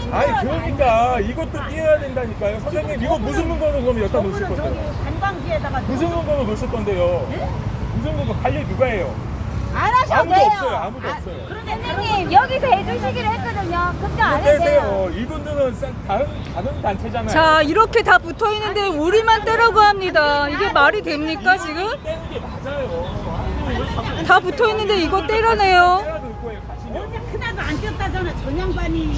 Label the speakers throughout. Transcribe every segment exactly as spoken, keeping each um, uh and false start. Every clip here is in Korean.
Speaker 1: 아니 그러니까 이것도 띄어야 된다니까요. 선생님 이거 무슨 근거로 그럼 여기다 놓으실
Speaker 2: 저분은
Speaker 1: 건데요?
Speaker 2: 저기 관광지에다가
Speaker 1: 무슨 근거로 놓으실 건데요?
Speaker 2: 네?
Speaker 1: 무슨 근거 관리 누가 해요?
Speaker 3: 안 하셔도
Speaker 1: 아무도
Speaker 3: 돼요.
Speaker 1: 없어요. 아무도
Speaker 3: 아,
Speaker 1: 없어요.
Speaker 3: 선생님 여기서 해주시기로 했거든요. 걱정 안 해도 돼요.
Speaker 1: 떼세요. 이분들은 싹 다른 다른 단체잖아요.
Speaker 4: 자, 이렇게 다 붙어 있는데 우리만 떼라고 합니다. 이게 말이 됩니까 지금?
Speaker 1: 떼는 게 맞아요. 아니, 왜 자꾸
Speaker 4: 다 붙어 있는데 이거 떼라네요.
Speaker 1: 떼야 될 거예요. 가시면.
Speaker 2: 언제 크나도 안 뛰었다잖아 저 양반이.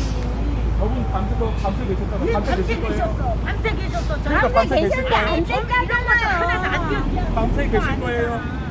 Speaker 1: 저분 밤새 밤새 계셨다가
Speaker 2: 왜
Speaker 1: 밤새
Speaker 2: 밤새
Speaker 1: 계실 거예요.
Speaker 2: 계셨어? 밤새 계셨어. 저
Speaker 1: 그러니까
Speaker 2: 양반
Speaker 1: 밤새 계실
Speaker 3: 계셨는데
Speaker 1: 거예요.
Speaker 3: 안 떼잖아요.
Speaker 2: 하나도 안 뛰었어.
Speaker 1: 밤새 계실 거예요.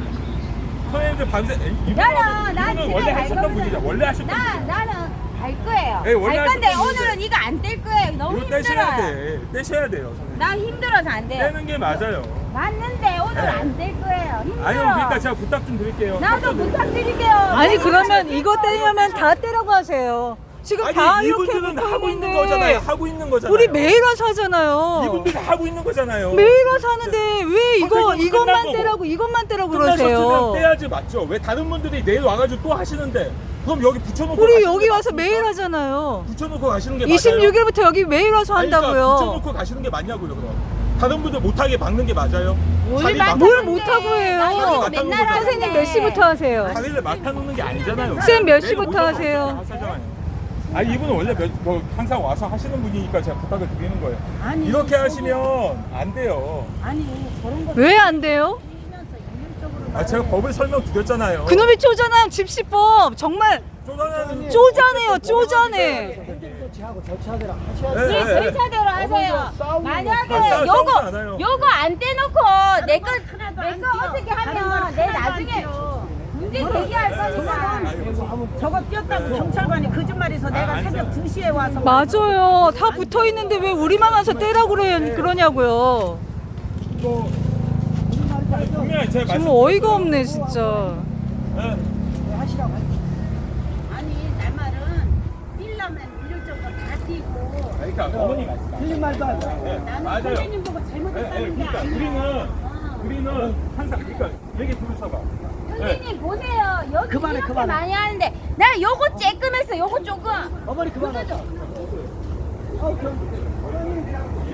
Speaker 1: 선생님들 밤새 이분은
Speaker 3: 나는 나
Speaker 1: 이분은
Speaker 3: 집에
Speaker 1: 원래
Speaker 3: 갈
Speaker 1: 하셨던
Speaker 3: 거거든.
Speaker 1: 분이죠. 원래 하셨던
Speaker 3: 나
Speaker 1: 분이죠.
Speaker 3: 나는 갈 거예요.
Speaker 1: 네, 원래
Speaker 3: 갈 건데
Speaker 1: 하셨던
Speaker 3: 오늘은
Speaker 1: 분인데.
Speaker 3: 이거 안 뗄 거예요. 너무
Speaker 1: 이거 떼셔야
Speaker 3: 힘들어요.
Speaker 1: 돼. 떼셔야 돼요, 선생님.
Speaker 3: 나 힘들어서 안 돼요.
Speaker 1: 떼는 게 맞아요.
Speaker 3: 맞는데 오늘
Speaker 1: 네.
Speaker 3: 안 뗄 거예요. 힘들어.
Speaker 1: 아니요, 그러니까 제가 부탁 좀 드릴게요.
Speaker 3: 나도 부탁드릴게요.
Speaker 4: 아니 그러면 이거 떼려면 다 떼라고 하세요. 지금
Speaker 1: 아니,
Speaker 4: 다 이렇게
Speaker 1: 이분들은
Speaker 4: 붙어
Speaker 1: 하고 있는
Speaker 4: 있는데
Speaker 1: 거잖아요. 하고 있는 거잖아요.
Speaker 4: 우리 매일 와서 하잖아요.
Speaker 1: 이분들이 하고 있는 거잖아요.
Speaker 4: 매일 와서 하는데 왜 이거
Speaker 1: 선생님,
Speaker 4: 이것만
Speaker 1: 끝나고.
Speaker 4: 떼라고 이것만 떼라고
Speaker 1: 끝나셨으면
Speaker 4: 그러세요?
Speaker 1: 떼야지 맞죠? 왜 다른 분들이 내일 와가지고 또 하시는데 그럼 여기 붙여놓고
Speaker 4: 우리
Speaker 1: 가시는
Speaker 4: 여기
Speaker 1: 게
Speaker 4: 와서
Speaker 1: 맞습니까?
Speaker 4: 매일 하잖아요.
Speaker 1: 붙여놓고 가시는 게 맞아요?
Speaker 4: 이십육 일부터 여기 매일 와서
Speaker 1: 아니, 그러니까
Speaker 4: 한다고요.
Speaker 1: 붙여놓고 가시는 게 맞냐고요 그럼. 다른 분들 못하게 막는 게 맞아요? 자리
Speaker 3: 막-
Speaker 1: 막-
Speaker 4: 뭘 못하고 해요?
Speaker 3: 나 여기서
Speaker 1: 맡아놓은
Speaker 3: 맨날
Speaker 1: 거잖아요.
Speaker 4: 선생님 몇 시부터 하세요?
Speaker 1: 자리를 맡아놓는 게 아니잖아요.
Speaker 4: 쌤 몇
Speaker 1: 내일
Speaker 4: 시부터
Speaker 1: 오셔서
Speaker 4: 하세요?
Speaker 1: 하시잖아요. 아 이분은 원래 몇, 뭐 항상 와서 하시는 분이니까 제가 부탁을 드리는 거예요.
Speaker 2: 아니,
Speaker 1: 이렇게
Speaker 2: 저거-
Speaker 1: 하시면 안 돼요.
Speaker 2: 아니 저런 거
Speaker 4: 왜 안 돼요?
Speaker 2: 뛰면서 인륜적으로
Speaker 1: 아 제가 법을 설명드렸잖아요.
Speaker 4: 그놈이 쪼잔한 집시법 정말
Speaker 1: 쪼잔한
Speaker 4: 쪼잔해요 쪼잔해.
Speaker 5: 조치하고 절차대로 하셔야
Speaker 1: 네,
Speaker 5: 돼요.
Speaker 1: 네.
Speaker 3: 네, 절차대로 하세요.
Speaker 5: 싸우는
Speaker 3: 만약에
Speaker 1: 안 싸우- 싸우지
Speaker 3: 요거
Speaker 1: 않아요.
Speaker 3: 요거 안 떼놓고 내거
Speaker 2: 하나도 안
Speaker 3: 내거
Speaker 2: 뛰어.
Speaker 3: 어떻게
Speaker 2: 다른
Speaker 3: 하면
Speaker 2: 건
Speaker 3: 내
Speaker 2: 하나도 안
Speaker 3: 나중에
Speaker 2: 뛰어.
Speaker 3: 문제 제기할 거니까.
Speaker 2: 저거 뛰었다고 경찰관이 거짓말해서 내가
Speaker 1: 안
Speaker 2: 새벽
Speaker 1: 써요.
Speaker 2: 두 시에 와서
Speaker 4: 맞아요. 다 붙어 있는데 왜 우리만 와서 떼라고 그래, 그러냐고요.
Speaker 1: 이거 분명히 제가
Speaker 4: 정말
Speaker 1: 말씀.
Speaker 4: 어이가 없네 진짜.
Speaker 1: 네.
Speaker 5: 하시라고 하세요.
Speaker 2: 아니 내 말은 뛰려면 인륜적으로 다 뛰고
Speaker 1: 그러니까 어머니 말씀.
Speaker 5: 틀린 말도 안 돼요.
Speaker 1: 네,
Speaker 2: 나는
Speaker 1: 맞아요.
Speaker 2: 선생님 보고
Speaker 1: 네, 네,
Speaker 2: 잘못했다는 게
Speaker 1: 그러니까
Speaker 2: 아니야.
Speaker 1: 우리는
Speaker 2: 어.
Speaker 1: 우리는 항상 그러니까 얘기 들으셔봐. 네.
Speaker 3: 선생님 보세요. 여기
Speaker 5: 그만해,
Speaker 3: 이렇게
Speaker 5: 그만해.
Speaker 3: 많이 하는데 나 요거 쬐끔했어. 요거 조금.
Speaker 5: 어머니 그만하죠. 어, 그럼 어머니